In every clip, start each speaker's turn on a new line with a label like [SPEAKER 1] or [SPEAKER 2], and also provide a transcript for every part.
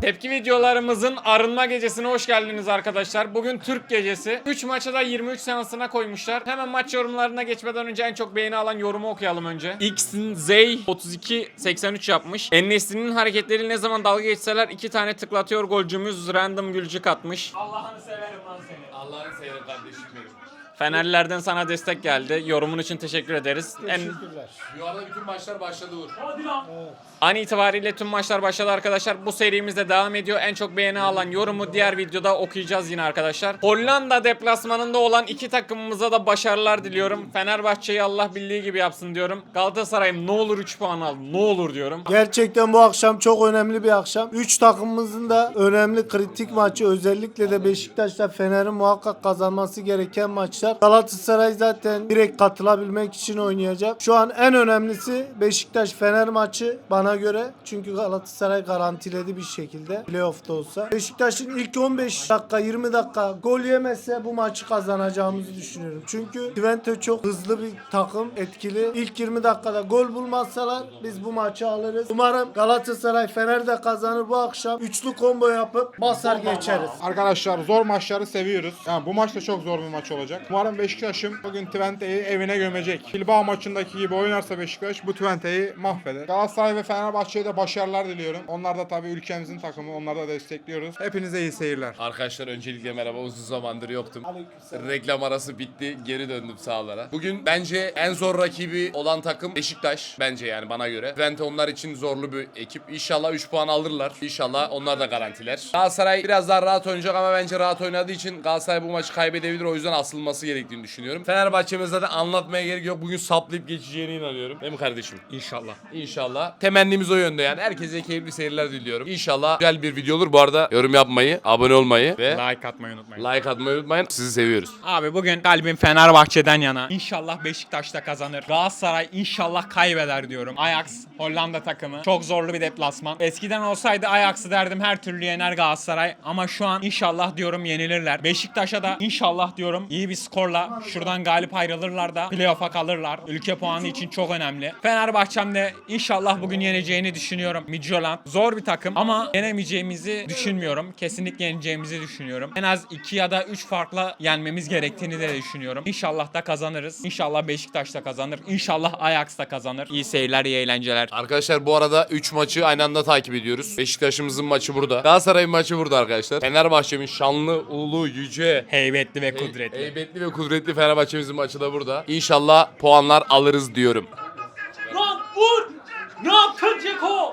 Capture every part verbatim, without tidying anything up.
[SPEAKER 1] Tepki videolarımızın arınma gecesine hoş geldiniz arkadaşlar. Bugün Türk gecesi. üç maçı da yirmi üç seansına koymuşlar. Hemen maç yorumlarına geçmeden önce en çok beğeni alan yorumu okuyalım önce. X'in Zey otuz iki seksen üç yapmış. En-Nesyri'nin hareketleri ne zaman dalga geçseler iki tane tıklatıyor golcümüz random gülcük atmış. Allah'ını severim lan seni.
[SPEAKER 2] Allah'ını severim kardeşim benim.
[SPEAKER 1] Fenerlilerden sana destek geldi. Yorumun için teşekkür ederiz. En...
[SPEAKER 2] Bu arada bütün maçlar başladı Uğur.
[SPEAKER 3] Hadi lan. Evet.
[SPEAKER 1] An itibariyle tüm maçlar başladı arkadaşlar. Bu serimizde devam ediyor. En çok beğeni alan yorumu diğer videoda okuyacağız yine arkadaşlar. Hollanda deplasmanında olan iki takımımıza da başarılar diliyorum. Fenerbahçe'yi Allah bildiği gibi yapsın diyorum. Galatasaray'ım ne olur üç puan al. Ne olur diyorum.
[SPEAKER 4] Gerçekten bu akşam çok önemli bir akşam. üç takımımızın da önemli kritik maçı, özellikle de Beşiktaş'la Fener'in muhakkak kazanması gereken maçlar. Galatasaray zaten direkt katılabilmek için oynayacak. Şu an en önemlisi Beşiktaş-Fener maçı bana göre. Çünkü Galatasaray garantiledi bir şekilde playoff'ta olsa. Beşiktaş'ın ilk on beş dakika yirmi dakika gol yemezse bu maçı kazanacağımızı düşünüyorum. Çünkü Twente çok hızlı bir takım, etkili. İlk yirmi dakikada gol bulmazsalar biz bu maçı alırız. Umarım Galatasaray Fener de kazanır bu akşam. Üçlü combo yapıp basar geçeriz.
[SPEAKER 5] Arkadaşlar zor maçları seviyoruz. Yani bu maç da çok zor bir maç olacak. Umarım Beşiktaş'ım bugün Twente'yi evine gömecek. Bilbao maçındaki gibi oynarsa Beşiktaş bu Twente'yi mahveder. Galatasaray ve Fenerbahçe'ye de başarılar diliyorum. Onlar da tabii ülkemizin takımı. Onları da destekliyoruz. Hepinize iyi seyirler.
[SPEAKER 2] Arkadaşlar öncelikle merhaba, uzun zamandır yoktum.
[SPEAKER 4] Aleykümselam.
[SPEAKER 2] Reklam arası bitti, geri döndüm sahalara. Bugün bence en zor rakibi olan takım Beşiktaş. Bence yani bana göre. Twente onlar için zorlu bir ekip. İnşallah üç puan alırlar. İnşallah onlar da garantiler. Galatasaray biraz daha rahat oynayacak ama bence rahat oynadığı için Galatasaray bu maçı kaybedebilir. O yüzden asılması gerektiğini düşünüyorum. Fenerbahçe'miz zaten anlatmaya gerek yok. Bugün saplayıp geçeceğine inanıyorum. Değil mi kardeşim?
[SPEAKER 1] İnşallah.
[SPEAKER 2] İnşallah. Temennimiz o yönde yani. Herkese keyifli seyirler diliyorum. İnşallah güzel bir video olur. Bu arada yorum yapmayı, abone olmayı ve
[SPEAKER 1] Like atmayı unutmayın.
[SPEAKER 2] like atmayı unutmayın. Sizi seviyoruz.
[SPEAKER 3] Abi bugün kalbim Fenerbahçe'den yana. İnşallah Beşiktaş da kazanır. Galatasaray inşallah kaybeder diyorum. Ajax Hollanda takımı. Çok zorlu bir deplasman. Eskiden olsaydı Ajax'ı derdim her türlü yener Galatasaray. Ama şu an inşallah diyorum yenilirler. Beşiktaş'a da inşallah diyorum iyi bir skorla şuradan galip ayrılırlar da playoff'a kalırlar. Ülke puanı için çok önemli. Fenerbahçe'm de inşallah bugün yeneceğini düşünüyorum. Midtjylland zor bir takım ama yenemeyeceğimizi düşünmüyorum. Kesinlikle yeneceğimizi düşünüyorum. En az iki ya da üç farkla yenmemiz gerektiğini de düşünüyorum. İnşallah da kazanırız. İnşallah Beşiktaş da kazanır. İnşallah Ajax da kazanır. İyi seyirler, iyi eğlenceler.
[SPEAKER 2] Arkadaşlar bu arada üç maçı aynı anda takip ediyoruz. Beşiktaş'ımızın maçı burada. Galatasaray'ın maçı burada arkadaşlar. Fenerbahçe'min şanlı, ulu, yüce,
[SPEAKER 3] Heybetli ve kudretli.
[SPEAKER 2] heybetli ve kudretli Fenerbahçe'mizin maçı da burada. İnşallah puanlar alırız diyorum.
[SPEAKER 3] Lan vur! Ne yaptın Ceko?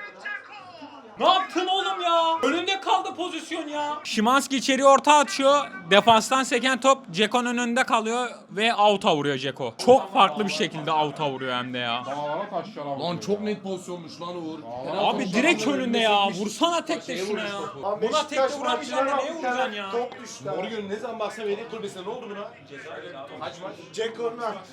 [SPEAKER 3] Ne yaptın oğlum ya? Önünde kaldı pozisyon ya. Şimanski içeri orta atıyor. Defanstan seken top Ceko'nun önünde kalıyor ve out'a vuruyor Ceko. Çok farklı bir şekilde out'a vuruyor hem de ya.
[SPEAKER 5] Dağlara taşlara
[SPEAKER 2] Lan çok net pozisyonmuş lan Uğur.
[SPEAKER 3] Abi direkt önünde ya. Vursana tek de şuna ya.
[SPEAKER 4] Ama
[SPEAKER 3] Buna tek
[SPEAKER 4] Beşiktaş
[SPEAKER 3] de vuramayacaksın
[SPEAKER 4] maçına
[SPEAKER 3] da neye
[SPEAKER 4] bak, bir tane
[SPEAKER 3] vuracaksın ya?
[SPEAKER 4] top düştü.
[SPEAKER 6] Morgan ne zaman baksam yedek kulübesine ne oldu buna? Kaç maç?
[SPEAKER 4] Ceko'nun attı.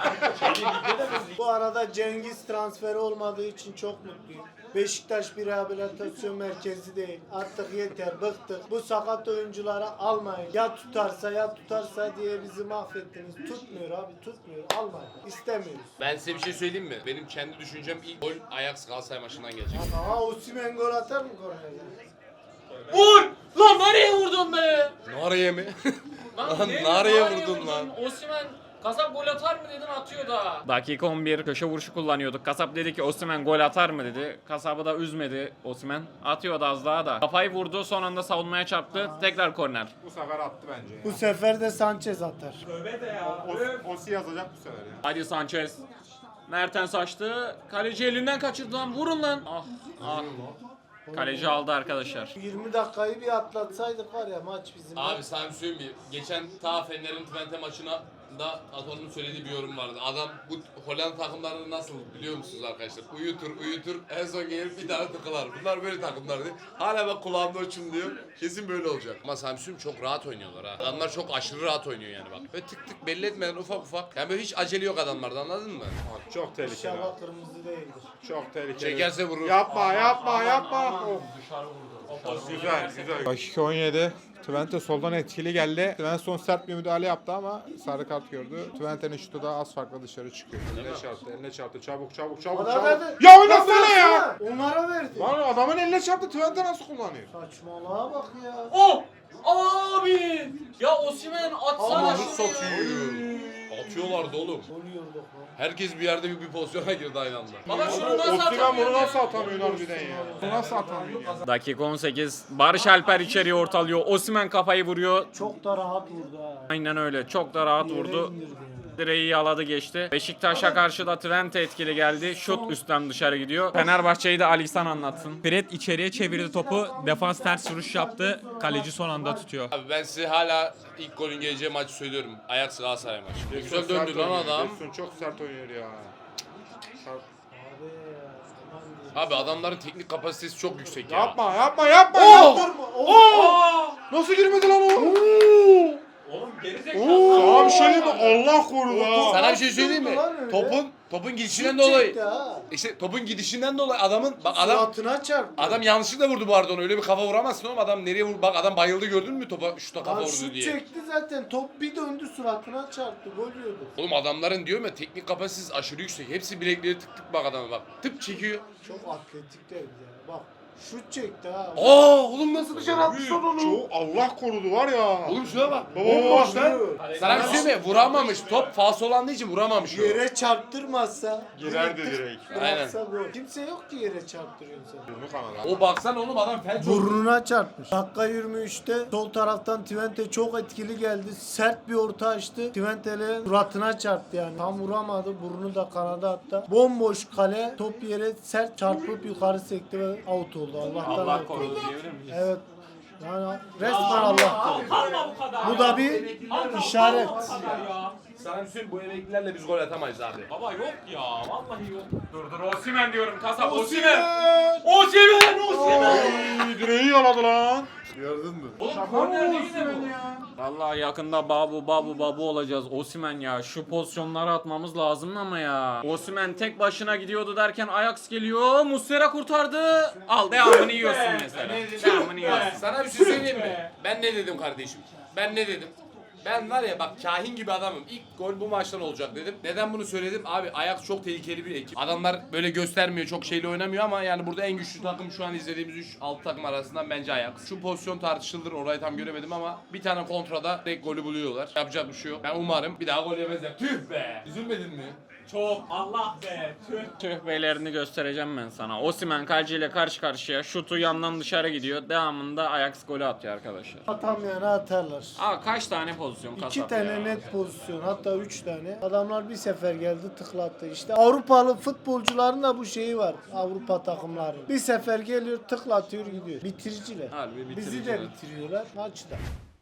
[SPEAKER 4] Bu arada Cengiz transferi olmadığı için çok mutluyum. Beşiktaş bir rehabilitasyon merkezi değil. Artık yeter, bıktık. Bu sakat oyuncuları almayın. Ya tutarsa ya tutarsa diye bizi mahvettiniz. Tutmuyor abi, tutmuyor. Almayın. İstemiyoruz.
[SPEAKER 2] Ben size bir şey söyleyeyim mi? Benim kendi düşüncem ilk gol Ajax Galatasaray maçından gelecek.
[SPEAKER 4] Aha Osimhen gol atar mı kornerde?
[SPEAKER 3] Vur! Lan nereye vurdun be?
[SPEAKER 2] Nareye mi? Lan
[SPEAKER 1] ne-
[SPEAKER 2] nareye
[SPEAKER 1] nereye
[SPEAKER 2] vurdun lan.
[SPEAKER 1] Osimhen kasap gol atar mı dedin, atıyor da. Dakika on bir köşe vuruşu kullanıyorduk. Kasap dedi ki Osimhen gol atar mı dedi. Kasabı da üzmedi Osimhen. Atıyordu az daha da. Kafayı vurdu, son anda savunmaya çarptı. Tekrar korner.
[SPEAKER 5] Bu sefer attı bence ya.
[SPEAKER 4] Bu sefer de Sanchez atar.
[SPEAKER 5] O, Osi yazacak bu sefer ya.
[SPEAKER 1] Hadi Sanchez. Mertens açtı. Kaleci elinden kaçırdı lan. Vurun lan. Ah ah. Kaleci aldı arkadaşlar.
[SPEAKER 4] yirmi dakikayı bir atlatsaydık var ya maç bizim.
[SPEAKER 2] Abi sana bir söyleyeyim mi? Geçen ta Fener'in Twente maçına da Aton'un söylediği bir yorum vardı. Adam bu Hollanda takımlarını nasıl biliyor musunuz arkadaşlar? Uyutur uyutur en son gelir bir daha tıkılar. Bunlar böyle takımlar değil. Hala bak kulağımda uçumluyor. Kesin böyle olacak. Ama Samsun çok rahat oynuyorlar ha. Adamlar çok aşırı rahat oynuyor yani bak. Böyle tık tık belli etmeden ufak ufak. Yani böyle hiç acele yok adamlarda, anladın mı?
[SPEAKER 5] Abi çok tehlikeli. abi.
[SPEAKER 4] İnşallah kırmızı değildir.
[SPEAKER 5] Çok tehlikeli.
[SPEAKER 2] Çekerse vurur.
[SPEAKER 5] Yapma yapma yapma. Of. Güzel güzel. Dakika on yedi. Twente soldan etkili geldi. Svensson sert bir müdahale yaptı ama sarı kart gördü. Twente'nin şutu da az farklı dışarı çıkıyor. Eline çarptı, eline çarptı. Çabuk çabuk çabuk
[SPEAKER 4] Bana
[SPEAKER 5] çabuk.
[SPEAKER 4] verdi.
[SPEAKER 5] Ya oynasana ya!
[SPEAKER 4] Onlara verdi.
[SPEAKER 5] Lan adamın eline çarptı. Twente nasıl kullanıyor?
[SPEAKER 4] Saçmalığa bak ya.
[SPEAKER 1] Oh! Abi! Ya Osimhen atsana
[SPEAKER 2] Ananı
[SPEAKER 1] şunu ya.
[SPEAKER 2] satıyor. Atıyorlardı oğlum.
[SPEAKER 4] Oluyorduk lan.
[SPEAKER 2] Herkes bir yerde bir, bir pozisyona girdi aynı anda.
[SPEAKER 1] Baba şunu
[SPEAKER 5] Ama
[SPEAKER 1] nasıl
[SPEAKER 5] Osimhen
[SPEAKER 1] atamıyor
[SPEAKER 5] bunu
[SPEAKER 1] ya?
[SPEAKER 5] nasıl atamıyor harbiden ya? Bunu nasıl atamıyor ya?
[SPEAKER 1] Dakika on sekiz. Barış Alper içeriye ortalıyor. Osimhen kafayı vuruyor.
[SPEAKER 4] Çok da rahat vurdu ha.
[SPEAKER 1] Aynen öyle. Çok da rahat
[SPEAKER 4] Yere
[SPEAKER 1] vurdu.
[SPEAKER 4] indirdi yani.
[SPEAKER 1] Direği yaladı geçti. Beşiktaş'a karşı da Twente etkili geldi. Şut üstten dışarı gidiyor. Fenerbahçe'yi de Ali İhsan anlatsın.
[SPEAKER 3] Fred içeriye çevirdi topu. Defans ters vuruş yaptı. Kaleci son anda tutuyor.
[SPEAKER 2] Abi ben size hala ilk golün geleceği maçı söylüyorum. Ajax Galatasaray maçı. Güzel
[SPEAKER 5] Çok
[SPEAKER 2] döndü
[SPEAKER 5] sert
[SPEAKER 2] lan
[SPEAKER 5] oynuyor.
[SPEAKER 2] adam.
[SPEAKER 5] Gerson çok sert oynuyor ya. Sert.
[SPEAKER 2] Abi adamların teknik kapasitesi çok yüksek ya.
[SPEAKER 5] Yapma yapma yapma.
[SPEAKER 2] Oh!
[SPEAKER 5] Yaptırma. Oh! Nasıl girmedi lan o?
[SPEAKER 1] Oğlum
[SPEAKER 5] Sana bir şey diyeyim mi? Allah korudu ha.
[SPEAKER 2] Sana bir şey söyleyeyim mi?
[SPEAKER 4] Lan öyle.
[SPEAKER 2] Topun topun gidişinden
[SPEAKER 4] Şut
[SPEAKER 2] dolayı.
[SPEAKER 4] çekti ha.
[SPEAKER 2] İşte topun gidişinden dolayı adamın bak adam
[SPEAKER 4] Suratına çarptı.
[SPEAKER 2] adam yanlışlıkla vurdu bu arada onu. Öyle bir kafa vuramazsın oğlum. Adam nereye vurdu? Bak adam bayıldı gördün mü topa şuta kafa
[SPEAKER 4] Lan
[SPEAKER 2] vurdu
[SPEAKER 4] şut
[SPEAKER 2] diye.
[SPEAKER 4] çekti zaten. Top bir döndü suratına çarptı. Gol yiyordu.
[SPEAKER 2] Oğlum adamların diyorum ya teknik kapasitesi aşırı yüksek. Hepsi bilekleri tık tık bak adama bak. Tıp çekiyor.
[SPEAKER 4] Çok atletik değil ya. Bak şut çekti ha.
[SPEAKER 2] Aa oğlum nasıl dışarı attı son onu?
[SPEAKER 5] Çok Allah korudu var ya.
[SPEAKER 2] Oğlum şuna bak.
[SPEAKER 5] Baba,
[SPEAKER 2] Bomboş
[SPEAKER 5] baba.
[SPEAKER 2] lan. Sana bir şey söyleyeyim mi? Vuramamış. Top falso olandığı için vuramamış o.
[SPEAKER 4] Yere çarptırmazsa.
[SPEAKER 5] Girerdi direkt.
[SPEAKER 2] Aynen.
[SPEAKER 4] Bıraksa gol. Kimse yok ki yere çarptırıyorsa.
[SPEAKER 5] Burnu kanadı.
[SPEAKER 2] O baksana oğlum adam felç oldu.
[SPEAKER 4] Burnuna çarpmış. Dakika yirmi üçte sol taraftan Twente çok etkili geldi. Sert bir orta açtı. Twente'le suratına çarptı yani. Tam vuramadı. Burnu da kanada attı. Bomboş kale. Top yere sert çarpıp yukarı sekti ve out oldu. Allah'tan
[SPEAKER 1] Allah
[SPEAKER 4] out
[SPEAKER 1] korudu
[SPEAKER 4] oldu.
[SPEAKER 1] diyebilir miyiz?
[SPEAKER 4] Evet. Yani resmen Allah korudu. Bu da bir işaret.
[SPEAKER 2] Sana bir söyleyeyim bu emeklilerle biz gol atamayız abi.
[SPEAKER 1] Baba yok ya. Vallahi yok. Dur dur Osimhen diyorum kasap. Osimhen. Osimhen. Osimhen.
[SPEAKER 5] Ay, direği yaladı lan.
[SPEAKER 1] Oğlum korner değil de bu. Vallahi yakında babu babu babu olacağız. Osimhen ya şu pozisyonları atmamız lazım ama ya. Osimhen tek başına gidiyordu derken Ajax geliyor. Muslera kurtardı. Al devamını yiyorsun mesela. Devamını yiyorsun.
[SPEAKER 2] Sana bir şey söyleyeyim mi? Ben ne dedim kardeşim? Ben ne dedim? Ben var ya bak kahin gibi adamım. İlk gol bu maçtan olacak dedim. Neden bunu söyledim? Abi Ajax çok tehlikeli bir ekip. Adamlar böyle göstermiyor, çok şeyle oynamıyor ama yani burada en güçlü takım şu an izlediğimiz üç altı takım arasından bence Ajax. Şu pozisyon tartışılır, orayı tam göremedim ama bir tane kontrada direkt golü buluyorlar. Yapacak bir şey yok. Ben umarım bir daha gol yemezler. Tüh be! Üzülmedin mi?
[SPEAKER 1] Çok. Allah be. Tüh. Tüh beylerini göstereceğim ben sana. Osimhen kaleciyle karşı karşıya. Şutu yandan dışarı gidiyor. Devamında Ajax golü atıyor arkadaşlar.
[SPEAKER 4] Atamayana atarlar.
[SPEAKER 1] Aa kaç tane pozisyon kasap
[SPEAKER 4] İki tane
[SPEAKER 1] ya?
[SPEAKER 4] net pozisyon, hatta üç tane. Adamlar bir sefer geldi tıklattı. İşte Avrupalı futbolcuların da bu şeyi var. Avrupa takımları. Bir sefer geliyor tıklatıyor gidiyor. Bitiriciler.
[SPEAKER 1] Harbi
[SPEAKER 4] Bizi de
[SPEAKER 1] bitiriciler.
[SPEAKER 4] bitiriyorlar maçta.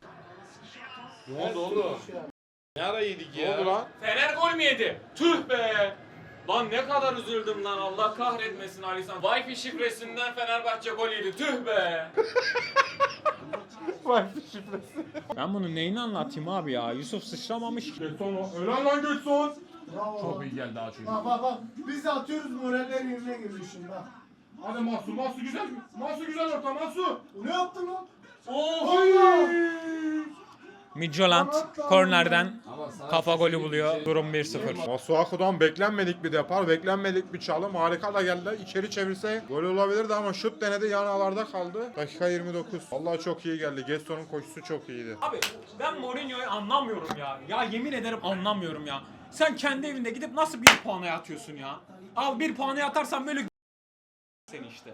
[SPEAKER 2] Ne oldu oğlum? Ne ara yedik
[SPEAKER 5] Ne
[SPEAKER 2] ya?
[SPEAKER 5] oldu lan?
[SPEAKER 1] Fener gol mü yedi? Tüh be! Lan ne kadar üzüldüm lan, Allah kahretmesin Alisan. Wi-Fi şifresinden Fenerbahçe gol yedi. Tüh be!
[SPEAKER 3] Ben bunu neyini anlatayım abi ya? Yusuf sıçramamış.
[SPEAKER 5] Getson ölen lan Getson.
[SPEAKER 4] Bravo.
[SPEAKER 2] Çok iyi geldi ha çocuk.
[SPEAKER 4] Bak bak bak. Biz de atıyoruz, moraller yerine geliyor şimdi bak.
[SPEAKER 5] Hadi Mahsu, Mahsu güzel. Mahsu güzel orta Mahsu.
[SPEAKER 4] Ne yaptın lan?
[SPEAKER 1] Oh!
[SPEAKER 3] Midtjylland kornerden kafa golü buluyor. Durum bir sıfır.
[SPEAKER 5] Masuaku'dan beklenmedik bir depar, beklenmedik bir çalım. Harika da geldi. İçeri çevirse gol olabilirdi ama şut denedi, yan ağlarda kaldı. Dakika yirmi dokuz. Vallahi çok iyi geldi. Getson'un koşusu çok iyiydi.
[SPEAKER 3] Abi ben Mourinho'yu anlamıyorum ya. Ya yemin ederim anlamıyorum ya. Sen kendi evinde gidip nasıl bir puana atıyorsun ya? Al bir puana atarsan böyle seni işte.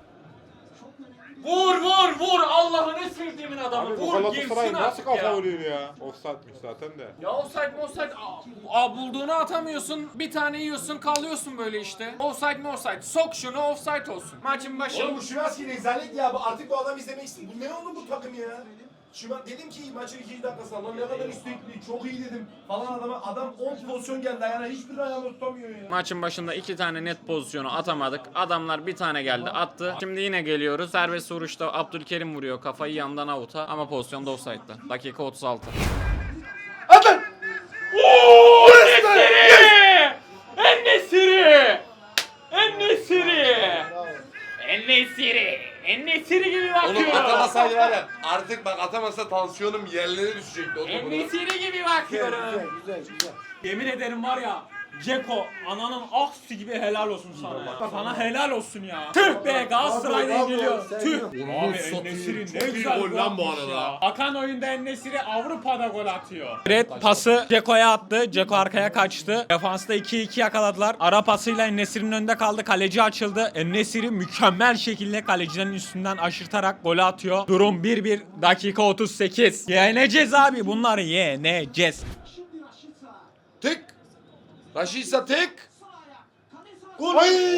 [SPEAKER 1] Vur vur vur! Allah'ını sevdiğimin adamı.
[SPEAKER 5] Abi bu
[SPEAKER 1] Vur
[SPEAKER 5] Galatasaray
[SPEAKER 1] girsin
[SPEAKER 5] nasıl
[SPEAKER 1] artık
[SPEAKER 5] kafa
[SPEAKER 1] ya.
[SPEAKER 5] vuruyor ya? Offside'miş zaten de.
[SPEAKER 1] Ya offside mi offside? Aa, aa, bulduğunu atamıyorsun. Bir tane yiyorsun, kalıyorsun böyle işte. Offside mi offside? Sok şunu, offside olsun. Maçın başı.
[SPEAKER 6] Oğlum bu Şimanski rezalet ya. Bu- Artık bu adam izlemek istiyor. Bu ne oldu bu takım ya? Şiman dedim ki maçın ikinci dakikasında lan ne kadar istekli, çok iyi dedim falan adama. Adam on pozisyon geldi ayağına, hiçbir ayağını tutamıyor ya.
[SPEAKER 1] Maçın başında iki tane net pozisyonu atamadık. Adamlar bir tane geldi attı. Şimdi yine geliyoruz. Serbest vuruşta Abdülkerim vuruyor kafayı yandan avuta ama pozisyonda offside'da. Dakika otuz altı.
[SPEAKER 6] Atın!
[SPEAKER 1] En-Nesyri! En-Nesyri!
[SPEAKER 4] Bravo.
[SPEAKER 1] En-Nesyri!
[SPEAKER 3] En-Nesyri gibi
[SPEAKER 2] Oğlum
[SPEAKER 3] bakıyor.
[SPEAKER 2] atamasaydı var ya artık bak atamasa tansiyonum yerlere düşecekti o topu.
[SPEAKER 3] En-Nesyri gibi
[SPEAKER 4] Güzel
[SPEAKER 3] bakıyorum.
[SPEAKER 4] güzel güzel. güzel.
[SPEAKER 3] Yemin ederim var ya Ceko ananın aksi gibi helal olsun sana ya. Sana helal olsun ya. Tüh be Galatasaray'da
[SPEAKER 4] Bravo,
[SPEAKER 3] yeniliyor.
[SPEAKER 4] bravo,
[SPEAKER 3] Tüh.
[SPEAKER 4] sen-
[SPEAKER 3] Abi
[SPEAKER 2] satayım.
[SPEAKER 3] En-Nesyri
[SPEAKER 2] Çok
[SPEAKER 3] ne
[SPEAKER 2] iyi
[SPEAKER 3] güzel
[SPEAKER 2] gol lan bu
[SPEAKER 3] atmış
[SPEAKER 2] arada.
[SPEAKER 3] ya. Akan oyunda En-Nesyri Avrupa'da gol atıyor. Red pası Ceko'ya attı. Ceko arkaya kaçtı. Defansta iki iki yakaladılar. Ara pasıyla En-Nesyri'nin önünde kaldı. Kaleci açıldı. En-Nesyri mükemmel şekilde kalecilerin üstünden aşırtarak golü atıyor. Durum bir bir dakika otuz sekiz. Yeneceğiz abi bunları yeneceğiz.
[SPEAKER 2] Tık. Raşitsa tık.
[SPEAKER 4] Gol.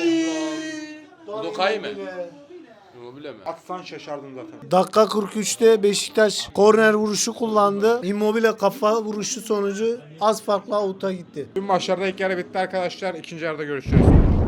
[SPEAKER 2] Bu Kay mı? Immobile mi?
[SPEAKER 5] Atsan şaşardım zaten.
[SPEAKER 4] Dakika kırk üçte Beşiktaş korner vuruşu kullandı. Immobile kafa vuruşu sonucu az farkla out'a gitti.
[SPEAKER 5] Tüm maçlarda ilk yarı bitti arkadaşlar. İkinci yarıda görüşürüz.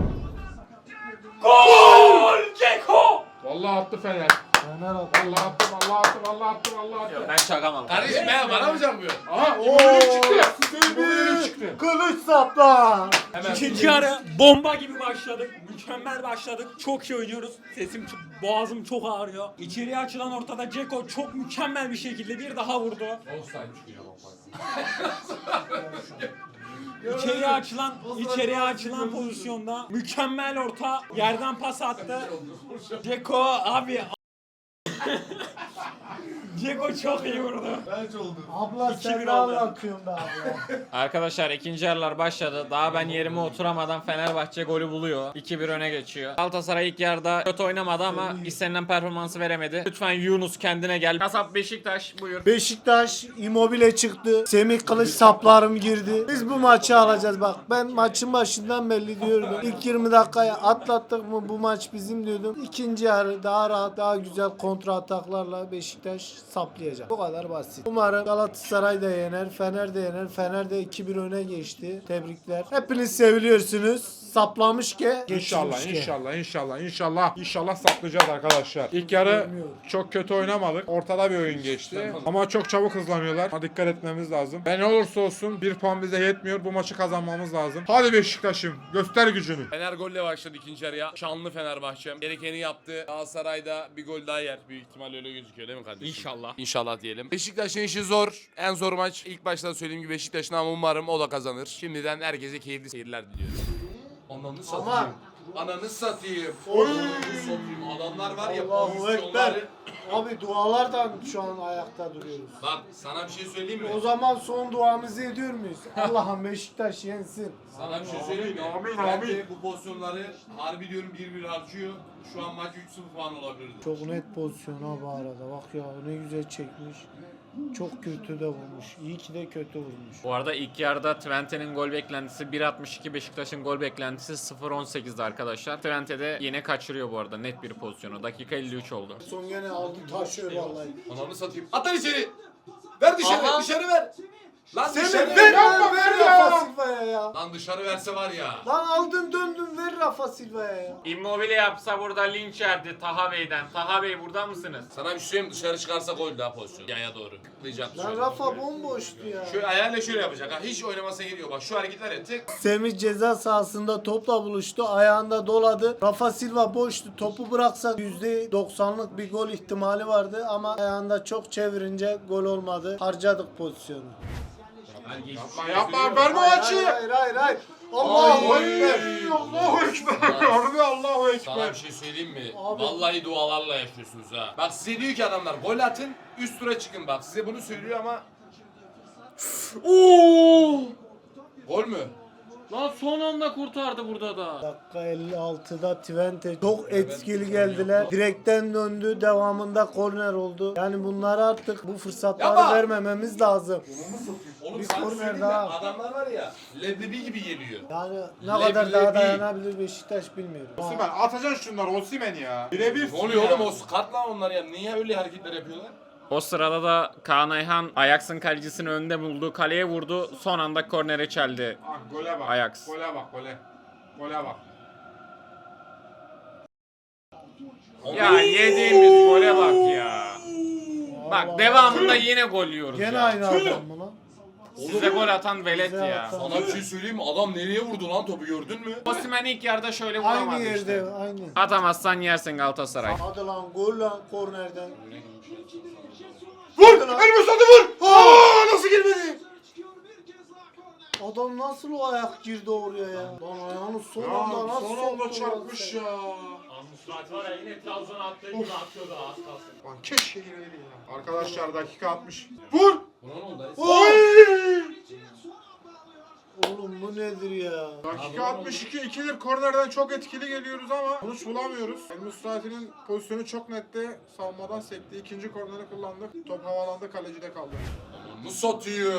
[SPEAKER 3] Gol Ceko!
[SPEAKER 5] Vallahi attı Fener.
[SPEAKER 4] Fener attı.
[SPEAKER 5] Vallahi attı, vallahi attı, vallahi attı, vallahi attı.
[SPEAKER 3] Ben şakamam.
[SPEAKER 2] Kardeşim ben bana mı yapıyor?
[SPEAKER 5] Aha, İmmobile'm çıktı. İmmobile'm çıktı.
[SPEAKER 4] Kılıç sapla.
[SPEAKER 3] İkinci yarı bomba gibi başladık. Mükemmel başladık. Çok iyi oynuyoruz. Sesim, çok- boğazım çok ağrıyor. İçeriye açılan ortada Ceko çok mükemmel bir şekilde bir daha vurdu. İçeriye açılan, içeriye açılan pozisyonda mükemmel orta yerden pas attı. Ceko abi Ceko çok iyi vurdu.
[SPEAKER 4] Abla
[SPEAKER 3] İki
[SPEAKER 4] sen
[SPEAKER 3] bir
[SPEAKER 4] ne
[SPEAKER 3] oldu.
[SPEAKER 4] anlatıyorsun be abla?
[SPEAKER 1] Arkadaşlar ikinci yarılar başladı. Daha ben yerime oturamadan Fenerbahçe golü buluyor. iki bir öne geçiyor. Galatasaray ilk yarıda kötü oynamadı ama istenilen performansı veremedi. Lütfen Yunus kendine gel. Kasap Beşiktaş buyur.
[SPEAKER 4] Beşiktaş Immobile çıktı. Semih Kılıç saplarım girdi. Biz bu maçı alacağız bak. Ben maçın başından belli diyordum. İlk yirmi dakikaya atlattık mı bu maç bizim diyordum. İkinci yarı daha rahat, daha güzel kontra ataklarla Beşiktaş saplayacak. Bu kadar basit. Umarım Galatasaray da yener, Fener de yener. Fener de iki bir öne geçti. Tebrikler. Hepiniz seviliyorsunuz. Saplamış ki
[SPEAKER 5] İnşallah,
[SPEAKER 4] geçirmiş ki.
[SPEAKER 5] inşallah, inşallah, inşallah, inşallah saklayacağız arkadaşlar. İlk yarı çok kötü oynamadık. Ortada bir oyun geçti. Ama çok çabuk hızlanıyorlar. Ama dikkat etmemiz lazım. Ve ne olursa olsun bir puan bize yetmiyor. Bu maçı kazanmamız lazım. Hadi Beşiktaş'ım, göster gücünü.
[SPEAKER 2] Fener golle başladı ikinci yarıya. Şanlı Fenerbahçe. Gerekeni yaptı. Galatasaray'da bir gol daha yer. Büyük ihtimal öyle gözüküyor değil mi kardeşim?
[SPEAKER 3] İnşallah.
[SPEAKER 2] İnşallah diyelim. Beşiktaş'ın işi zor. En zor maç. İlk başta söylediğim gibi Beşiktaş'ın ama umarım o da kazanır. Şimdiden herkese keyifli seyirler diliyorum. Ananı satayım. Ananı satayım.
[SPEAKER 4] Oy.
[SPEAKER 2] Satayım. Adamlar var ya
[SPEAKER 4] Allahu
[SPEAKER 2] pozisyonları.
[SPEAKER 4] Ekber. Abi dualardan şu an ayakta duruyoruz.
[SPEAKER 2] Bak sana bir şey söyleyeyim mi?
[SPEAKER 4] O zaman son duamızı ediyor muyuz? Allah'ım Beşiktaş yensin.
[SPEAKER 2] Sana bir şey söyleyeyim mi?
[SPEAKER 5] Amin,
[SPEAKER 2] Bence
[SPEAKER 5] amin.
[SPEAKER 2] bu pozisyonları harbi diyorum bir bir harcıyor. Şu an maç üç sıfır falan olabilirdi.
[SPEAKER 4] Çok net pozisyon ha bu arada. Bak ya ne güzel çekmiş. Çok kötü de vurmuş. İyi ki de kötü vurmuş.
[SPEAKER 1] Bu arada ilk yarıda Twente'nin gol beklentisi bir altmış iki, Beşiktaş'ın gol beklentisi sıfır on sekizdi arkadaşlar. Twente de yine kaçırıyor bu arada net bir pozisyonu. Dakika elli üç oldu.
[SPEAKER 4] Son gene aldı taşıyor vallahi.
[SPEAKER 2] Ananı satayım. At lan içeri. Ver dışarı,
[SPEAKER 1] Aha.
[SPEAKER 2] dışarı ver. Lan
[SPEAKER 4] Semih
[SPEAKER 2] dışarı
[SPEAKER 4] ver,
[SPEAKER 2] ver.
[SPEAKER 4] ver, ver Rafa Silva'ya ya.
[SPEAKER 2] Lan dışarı verse var ya.
[SPEAKER 4] Lan aldın döndün ver Rafa Silva'ya ya.
[SPEAKER 1] Immobile yapsa burada linç yerdi Taha Bey'den. Taha Bey burada mısınız?
[SPEAKER 2] Sana bir şey söyleyeyim mi? Dışarı çıkarsa gol daha pozisyon. Yaya doğru. Tıklayacak
[SPEAKER 4] Lan
[SPEAKER 2] şöyle.
[SPEAKER 4] Rafa bomboştu ya.
[SPEAKER 2] Şöyle ayağıyla şöyle yapacak ha. Hiç oynamasına gidiyor. Bak şu hareketler ya. Tık.
[SPEAKER 4] Semih ceza sahasında topla buluştu. Ayağında doladı. Rafa Silva boştu. Topu bıraksa yüzde doksanlık bir gol ihtimali vardı ama ayağında çok çevirince gol olmadı. Harcadık pozisyonu.
[SPEAKER 5] Yapma, yapma, verme o
[SPEAKER 4] Hayır
[SPEAKER 5] açıyı.
[SPEAKER 4] hayır hayır. hayır. Allahu
[SPEAKER 2] Ay.
[SPEAKER 4] Ekber.
[SPEAKER 5] Allahu Ekber. Harbi Allahu
[SPEAKER 2] Sana
[SPEAKER 5] Ekber.
[SPEAKER 2] bir şey söyleyeyim mi?
[SPEAKER 4] Abi.
[SPEAKER 2] Vallahi dualarla yaşıyorsunuz ha. Bak size diyor ki adamlar gol atın üst tura çıkın bak. Size bunu söylüyor ama.
[SPEAKER 1] Oo!
[SPEAKER 2] Gol mü?
[SPEAKER 1] Lan son anda kurtardı burada da.
[SPEAKER 4] Dakika elli altıda Twente çok etkili geldiler. Direkten döndü. Devamında korner oldu. Yani bunları artık bu fırsatları
[SPEAKER 2] Yapma.
[SPEAKER 4] vermememiz lazım.
[SPEAKER 2] Oğlum
[SPEAKER 4] Bir
[SPEAKER 2] sana
[SPEAKER 4] korner
[SPEAKER 2] söyleyeyim mi?
[SPEAKER 4] daha.
[SPEAKER 2] Adamlar var ya leblebi gibi geliyor.
[SPEAKER 4] Yani ne
[SPEAKER 2] Leblebi.
[SPEAKER 4] kadar daha dayanabilir Beşiktaş bilmiyorum.
[SPEAKER 5] Osimhen atacaksın şunları Osimhen ya. Birebir.
[SPEAKER 2] Ne oluyor oğlum o skat lan onlar ya? Niye öyle hareketler yapıyorlar?
[SPEAKER 1] O sırada da Kaan Ayhan Ajax'ın kalecisini önde buldu. Kaleye vurdu. Son anda kornere çeldi.
[SPEAKER 5] Ah, gole bak.
[SPEAKER 1] Ajax.
[SPEAKER 5] Gole bak gole. Gole bak.
[SPEAKER 1] Ya yediğimiz gole bak ya. Bak devamında yine gol yiyoruz
[SPEAKER 4] Gene
[SPEAKER 1] ya.
[SPEAKER 4] aynı adam mı lan?
[SPEAKER 1] Size gol atan velet
[SPEAKER 4] Bize
[SPEAKER 1] ya.
[SPEAKER 4] atan.
[SPEAKER 2] Sana bir şey söyleyeyim mi? Adam nereye vurdu lan topu gördün mü?
[SPEAKER 1] Osimhen ilk yarıda şöyle
[SPEAKER 4] Aynı
[SPEAKER 1] vuramadı
[SPEAKER 4] yerde
[SPEAKER 1] işte.
[SPEAKER 4] aynı.
[SPEAKER 1] Atamazsan yersin Galatasaray.
[SPEAKER 4] Hadi lan gol lan kornerden.
[SPEAKER 5] Vur! Elimi satı vur! Aa, nasıl girmedi?
[SPEAKER 4] Adam nasıl o ayak girdi oraya ya? Lan ayağını son anda
[SPEAKER 5] Ya
[SPEAKER 4] nasıl
[SPEAKER 5] son anda
[SPEAKER 4] soktu lan
[SPEAKER 5] çarpmış
[SPEAKER 4] sen?
[SPEAKER 5] ya.
[SPEAKER 3] Musrat var ya yine Trabzon'a attığı gibi atıyordu az kalsın.
[SPEAKER 5] Lan keşke gireydi ya. Arkadaşlar dakika altmış. Vur!
[SPEAKER 2] Buna ne oldu?
[SPEAKER 5] Oy!
[SPEAKER 4] Oğlum bu nedir ya?
[SPEAKER 5] Dakika altmış iki ikidir kornerden çok etkili geliyoruz ama sonuç bulamıyoruz. El Musrati'nin pozisyonu çok netti. Savunmadan sekti. İkinci korneri kullandık. Top havalandı, kalecide kaldı.
[SPEAKER 2] Onu satayım.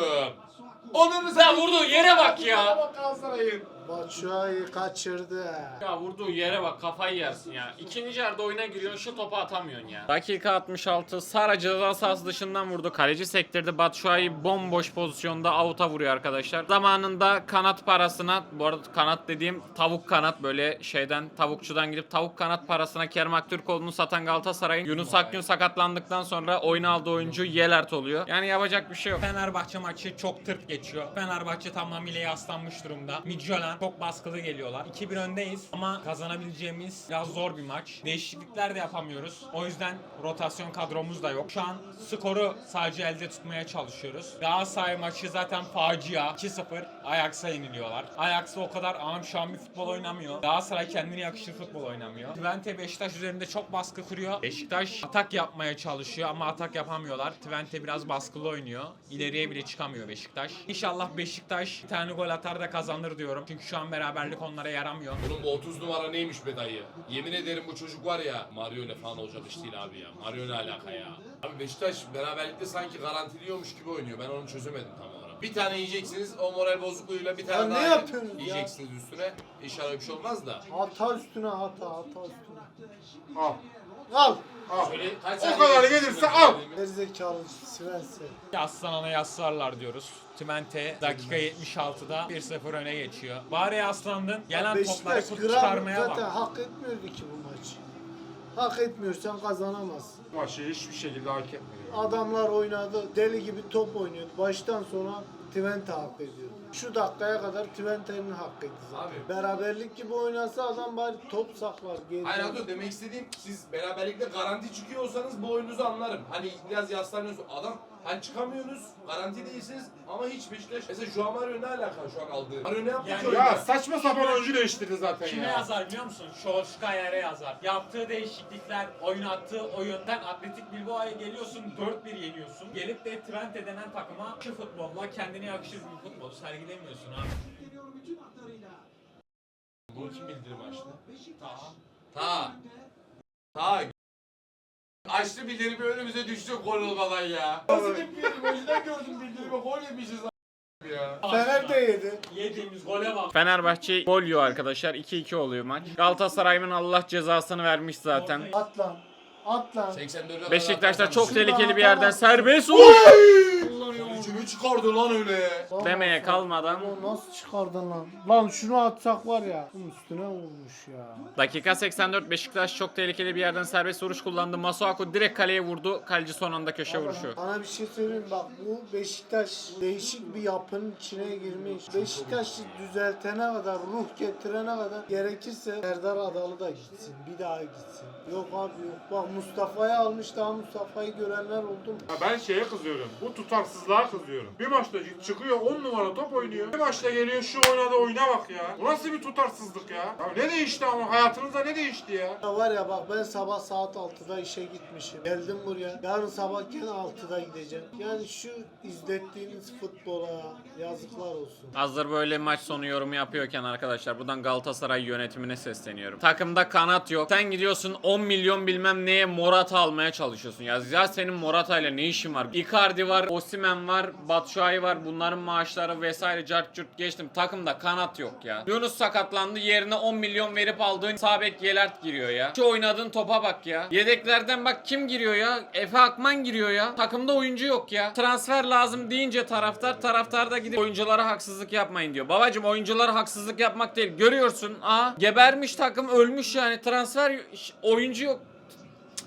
[SPEAKER 2] Onunu
[SPEAKER 1] Ya vurduğu yere bak ya.
[SPEAKER 2] Bak Galatasaray'ın.
[SPEAKER 4] Batshuayi kaçırdı.
[SPEAKER 1] Ya vurduğu yere bak kafayı yersin ya. İkinci yarıda oyuna giriyorsun şu topu atamıyorsun ya. Dakika altmış altı Sara ceza sahası dışından vurdu. Kaleci sektirdi. Batshuayi bomboş pozisyonda avuta vuruyor arkadaşlar. Zamanında kanat parasına, bu arada kanat dediğim tavuk kanat, böyle şeyden tavukçudan gidip tavuk kanat parasına Kerem Aktürkoğlu'nu satan Galatasaray'ın Yunus Akgün sakatlandıktan sonra oyuna aldığı oyuncu Yelert oluyor. Yani yapacak bir şey yok.
[SPEAKER 3] Fenerbahçe maçı çok tırt geçiyor. Fenerbahçe tamamıyla yaslanmış durumda. Midtjylland çok baskılı geliyorlar. iki bir öndeyiz ama kazanabileceğimiz biraz zor bir maç. Değişiklikler de yapamıyoruz. O yüzden rotasyon kadromuz da yok. Şu an skoru sadece elde tutmaya çalışıyoruz. Galatasaray maçı zaten facia. iki sıfır Ajax'a yeniliyorlar. Ajax da o kadar amşan bir futbol oynamıyor. Galatasaray kendine yakışır futbol oynamıyor. Twente Beşiktaş üzerinde çok baskı kuruyor. Beşiktaş atak yapmaya çalışıyor ama atak yapamıyorlar. Twente biraz baskılı oynuyor. İleriye bile çıkamıyor Beşiktaş. İnşallah Beşiktaş bir tane gol atar da kazanır diyorum. Çünkü şu an beraberlik onlara yaramıyor.
[SPEAKER 2] Bunun bu otuz numara neymiş be dayı? Yemin ederim bu çocuk var ya, Mario ile falan olacak iş değil abi ya. Mario ne alaka ya? Abi Beşiktaş beraberlikte sanki garantiliyormuş gibi oynuyor. Ben onu çözemedim tam olarak. Bir tane yiyeceksiniz o moral bozukluğuyla bir tane
[SPEAKER 4] Ya ne
[SPEAKER 2] daha
[SPEAKER 4] yapıyorsunuz ya?
[SPEAKER 2] yiyeceksiniz üstüne. İnşallah bir şey olmaz da.
[SPEAKER 4] Hata üstüne hata, hata üstüne.
[SPEAKER 5] Al.
[SPEAKER 4] Al.
[SPEAKER 5] Al.
[SPEAKER 2] Şöyle kaç
[SPEAKER 5] O
[SPEAKER 2] saniye
[SPEAKER 5] kadar
[SPEAKER 2] geçti
[SPEAKER 5] gelirse
[SPEAKER 2] sizin
[SPEAKER 5] al.
[SPEAKER 2] söylediğimi?
[SPEAKER 4] Gerizekalı Svense.
[SPEAKER 3] Aslan'a yaslarlar diyoruz. Twente dakika yetmiş altıda bir sıfır öne geçiyor. Bari yaslandın. Gelen topları
[SPEAKER 4] Beşiktaş
[SPEAKER 3] kurt
[SPEAKER 4] gram
[SPEAKER 3] çıkarmaya
[SPEAKER 4] zaten
[SPEAKER 3] bak.
[SPEAKER 4] hak etmiyordu ki bu maçı. Hak etmiyorsan kazanamazsın.
[SPEAKER 5] Bu maçı hiçbir şekilde hak etmiyor.
[SPEAKER 4] Adamlar oynadı, deli gibi top oynuyordu. Baştan sona Twente hak ediyor. Şu dakikaya kadar Twente'nin hakkıydı zaten.
[SPEAKER 2] Abi.
[SPEAKER 4] Beraberlik gibi oynasa adam bari top saklar. Geride.
[SPEAKER 2] Hayır abi demek istediğim siz beraberlikte garanti çıkıyor olsanız bu oyununuzu anlarım. Hani biraz yaslanıyorsunuz. Adam hani çıkamıyorsunuz, garanti değilsiniz ama hiç Beşiktaş. Mesela şu an Mario ne alaka şu an aldığı? Mario ne yaptı
[SPEAKER 3] Yani
[SPEAKER 2] ki oyunda?
[SPEAKER 5] Ya saçma sapan oyuncu değiştirdi zaten
[SPEAKER 3] Kime
[SPEAKER 5] ya.
[SPEAKER 3] yazar biliyor musun? Solskjaer'e yazar. Yaptığı değişiklikler, oynattığı oyundan Atletik Bilbao'ya geliyorsun, dört bir yeniyorsun. Gelip de Twente denen takıma şu futbolla kendine yakışır bir futbolu sergilemiyorsun abi.
[SPEAKER 2] Bunu kim bildirim açtı? Ta. Ta. Açtı bildirimi önümüze düştü gol olmadan ya. Nasıl bildirim? Önceden gördüm bildirimi gol yemişiz a- ya.
[SPEAKER 4] Fener de yedi.
[SPEAKER 3] Yediğimiz gole bak.
[SPEAKER 1] Fenerbahçe gol yiyor arkadaşlar. iki iki oluyor maç. Galatasaray'ın Allah cezasını vermiş zaten.
[SPEAKER 4] At lan. At lan.
[SPEAKER 2] seksen dörde
[SPEAKER 1] Beşiktaş'ta çok
[SPEAKER 4] Şuradan
[SPEAKER 1] tehlikeli bir yerden
[SPEAKER 4] atamaz.
[SPEAKER 1] serbest vuruş.
[SPEAKER 2] Kimi çıkardı lan öyle?
[SPEAKER 1] Demeye kalmadan.
[SPEAKER 4] Ulan nasıl çıkardın lan? Lan şunu atsak var ya. Bunun üstüne vurmuş ya.
[SPEAKER 1] Dakika seksen dört Beşiktaş çok tehlikeli bir yerden serbest vuruş kullandı. Masuaku direkt kaleye vurdu. Kaleci son anda köşe vuruşu.
[SPEAKER 4] Sana bir şey söyleyeyim bak bu Beşiktaş değişik bir yapının içine girmiş. Beşiktaş'ı düzeltene kadar, ruh getirene kadar gerekirse Serdar Adalı da gitsin. Bir daha gitsin. Yok abi yok. Bak Mustafa'yı almış daha Mustafa'yı görenler oldu mu?
[SPEAKER 5] Ya ben şeye kızıyorum. Bu tutarsızlığa kızıyorum. Bir maçta çıkıyor on numara top oynuyor. Bir maçta geliyor şu oynadı oyuna bak ya. Bu nasıl bir tutarsızlık ya? Ya ne değişti ama hayatınızda ne değişti ya?
[SPEAKER 4] Ya var ya bak ben sabah saat altıda işe gitmişim. Geldim buraya. Yarın sabah gene altıda gideceğim. Yani şu izlettiğiniz futbola yazıklar olsun.
[SPEAKER 1] Hazır böyle maç sonu yorumu yapıyorken arkadaşlar buradan Galatasaray yönetimine sesleniyorum. Takımda kanat yok. Sen gidiyorsun on milyon bilmem neye Morata almaya çalışıyorsun. Ya, ya senin Morata ile ne işin var? Icardi var, Osimhen var, Batshuayi var. Bunların maaşları vesaire cart curt geçtim. Takımda kanat yok ya. Yunus sakatlandı. Yerine on milyon verip aldığın sağ bek Yelert giriyor ya. Şu oynadığın topa bak ya. Yedeklerden bak kim giriyor ya? Efe Akman giriyor ya. Takımda oyuncu yok ya. Transfer lazım deyince taraftar taraftar da gidip oyunculara haksızlık yapmayın diyor. Babacım oyunculara haksızlık yapmak değil. Görüyorsun. Aa gebermiş takım ölmüş yani. Transfer oyuncu yok.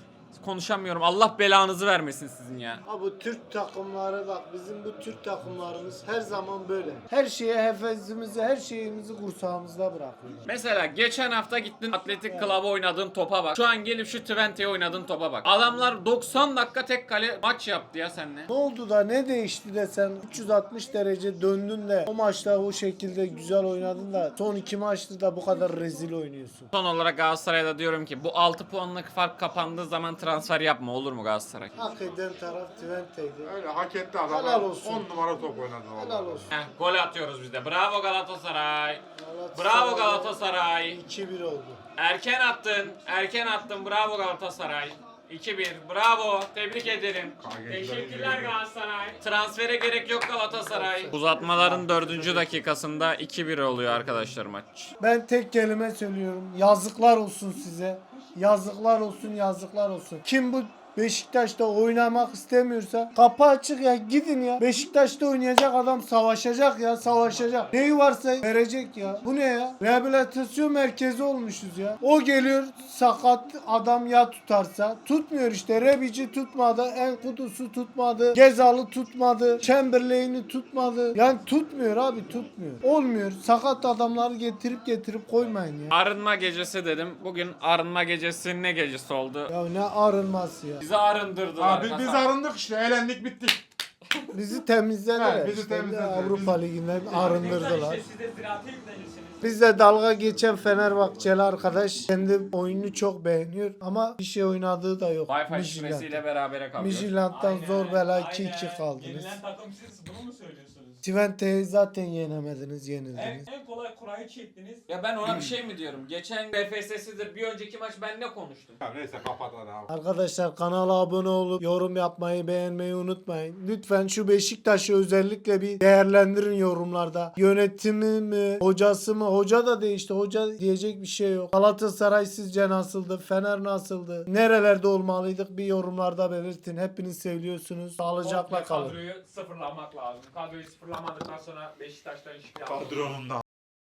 [SPEAKER 1] konuşamıyorum. Allah belanızı vermesin sizin ya.
[SPEAKER 4] Ha bu Türk takımları bak bizim bu Türk takımlarımız her zaman böyle. Her şeye hefezimizi, her şeyimizi kursağımızda bırakıyorlar.
[SPEAKER 1] Mesela geçen hafta gittin Atletik Club'a oynadığın topa bak. Şu an gelip şu Twente'ye oynadığın topa bak. Adamlar doksan dakika tek kale maç yaptı ya seninle.
[SPEAKER 4] Ne oldu da ne değişti de sen üç yüz altmış derece döndün de o maçta o şekilde güzel oynadın da son iki maçta da bu kadar rezil oynuyorsun.
[SPEAKER 1] Son olarak Galatasaray'da diyorum ki bu altı puanlık fark kapandığı zaman transfer yapma, olur mu Galatasaray?
[SPEAKER 4] Hak eden taraf Twente'ydi.
[SPEAKER 5] Öyle hak etti adam.
[SPEAKER 4] Helal olsun.
[SPEAKER 5] on numara top oynadı
[SPEAKER 4] Helal
[SPEAKER 5] vallahi.
[SPEAKER 4] olsun.
[SPEAKER 1] Heh, gol atıyoruz biz de. Bravo Galatasaray.
[SPEAKER 4] Galatasaray
[SPEAKER 1] Bravo Galatasaray.
[SPEAKER 4] iki bir oldu.
[SPEAKER 1] Erken attın. Erken attın. Bravo Galatasaray. iki bir. Bravo. Tebrik ederim. Teşekkürler Galatasaray. Transfere gerek yok Galatasaray. Uzatmaların dördüncü dakikasında iki bir oluyor arkadaşlar maç.
[SPEAKER 4] Ben tek kelime söylüyorum. Yazıklar olsun size. Yazıklar olsun, yazıklar olsun. Kim bu Beşiktaş'ta oynamak istemiyorsa kapı açık ya, gidin ya. Beşiktaş'ta oynayacak adam savaşacak ya, savaşacak. Neyi varsa verecek ya. Bu ne ya? Rehabilitasyon merkezi olmuşuz ya. O geliyor sakat adam ya tutarsa. Tutmuyor işte. Rebici tutmadı. Enkudusu tutmadı. Gezal'ı tutmadı. Chamberlain'i tutmadı. Yani tutmuyor abi, tutmuyor. Olmuyor. Sakat adamları getirip getirip koymayın ya.
[SPEAKER 1] Arınma gecesi dedim. Bugün arınma gecesi ne gecesi oldu?
[SPEAKER 4] Ya ne arınması ya.
[SPEAKER 1] Bizi arındırdılar.
[SPEAKER 5] Abi biz
[SPEAKER 1] kasap.
[SPEAKER 5] arındık işte. Eğlendik bittik.
[SPEAKER 4] Bizi temizlediler.
[SPEAKER 5] Evet, bizi
[SPEAKER 4] işte.
[SPEAKER 5] temizlediler.
[SPEAKER 4] Avrupa Ligi'nden arındırdılar.
[SPEAKER 3] Siz de ziraate yüklenirsiniz.
[SPEAKER 4] Bizle dalga geçen Fenerbahçeli arkadaş kendi oyununu çok beğeniyor ama bir şey oynadığı da yok.
[SPEAKER 1] Wi-Fi
[SPEAKER 4] Midtjylland.
[SPEAKER 1] şifresiyle berabere kalıyor.
[SPEAKER 4] Midtjylland'dan zor bela iki iki
[SPEAKER 3] Aynen.
[SPEAKER 4] kaldınız.
[SPEAKER 3] Yenilen takım siz bunu mu söylüyorsunuz?
[SPEAKER 4] Twente'yi zaten yenemediniz,
[SPEAKER 3] En,
[SPEAKER 4] yenildiniz.
[SPEAKER 3] en kolay kurayı çektiniz.
[SPEAKER 1] Ya ben ona bir şey mi diyorum? Geçen B F S'sidir bir önceki maç ben ne konuştum?
[SPEAKER 5] Ya neyse kapat hadi abi.
[SPEAKER 4] Arkadaşlar kanala abone olup yorum yapmayı, beğenmeyi unutmayın. Lütfen şu Beşiktaş'ı özellikle bir değerlendirin yorumlarda. Yönetimi mi, hocası mı? Hoca da değişti. Hoca diyecek bir şey yok. Galatasaray sizce nasıldı? Fener nasıldı? Nerelerde olmalıydık? Bir yorumlarda belirtin. Hepiniz seviyorsunuz. Sağlıcakla
[SPEAKER 3] Komple
[SPEAKER 4] kalın.
[SPEAKER 3] Kadroyu sıfırlamak lazım. Kadroyu sıfırlamadıktan sonra Beşiktaş'tan hiçbir
[SPEAKER 5] Kadronunda.